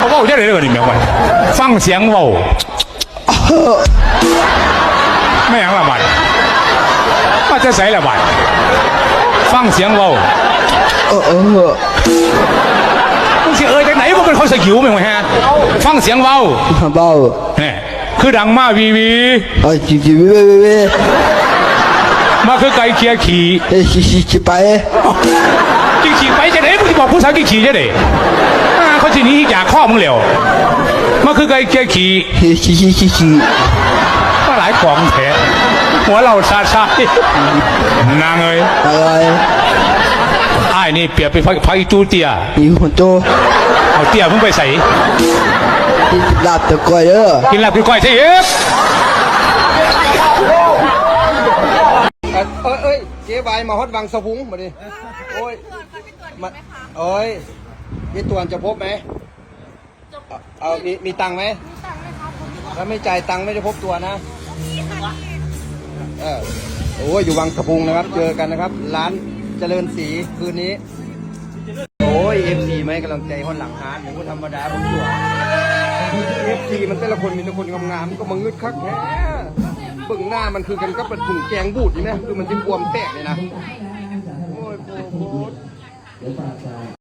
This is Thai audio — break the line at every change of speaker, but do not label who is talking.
ว้าจะได้เลยนี่แม่วันฟังเสียงเว้าไม่อย่างละบัดว่าจะใส่ละบัดฟังเสียงเว้ามึงสิจากไหนมึงเป็นคนสกิวมั้งฮะฟังเสียงเว้า
เบา
เนี่ยคือดังมาวี
จีเว
มาคือไก่เคียขี่
ขี่ไป
ขี่ไปจะไหนมึงจะบอกผู้สาวขี่จะไหนเขาทีนี้อยากข้อมึงเหลวมาคือไก่เคียขี่มาหลายของแท้หัวเราชานางเอ้ย
อะไร
ไอ้นี่เปรียบไปพักอีตูเตีย
มีคนโต
เอาเตียมึงไปใส่
กินลาบตะก้อย
กินลาบกินก้อยใช่เอ๊ะ
เจ๊ใบมาฮอดวังสะพุงมาดิโอ้ยมาโอ้ยมีตัวจะพบไหมเอามีตังค์ไหมถ้าไม่จ่ายตังค์ไม่ได้พบตัวนะโอ้ยอยู่วังสะพุงนะครับเจอกันนะครับร้านเจริญศรีคืนนี้โอ้ย FC ไหมกำลังใจฮอนหลังฮาร์ดหรือว่าธรรมดาผมตัว FC มันแต่ละคนมีแต่คนงามๆก็มางึดคักแท้เบิ่งหน้ามันคือกันก็เป็นถุงแกงบูดนี่นะคือมันจะบวมแตกเลยนะโอ้ยโคตร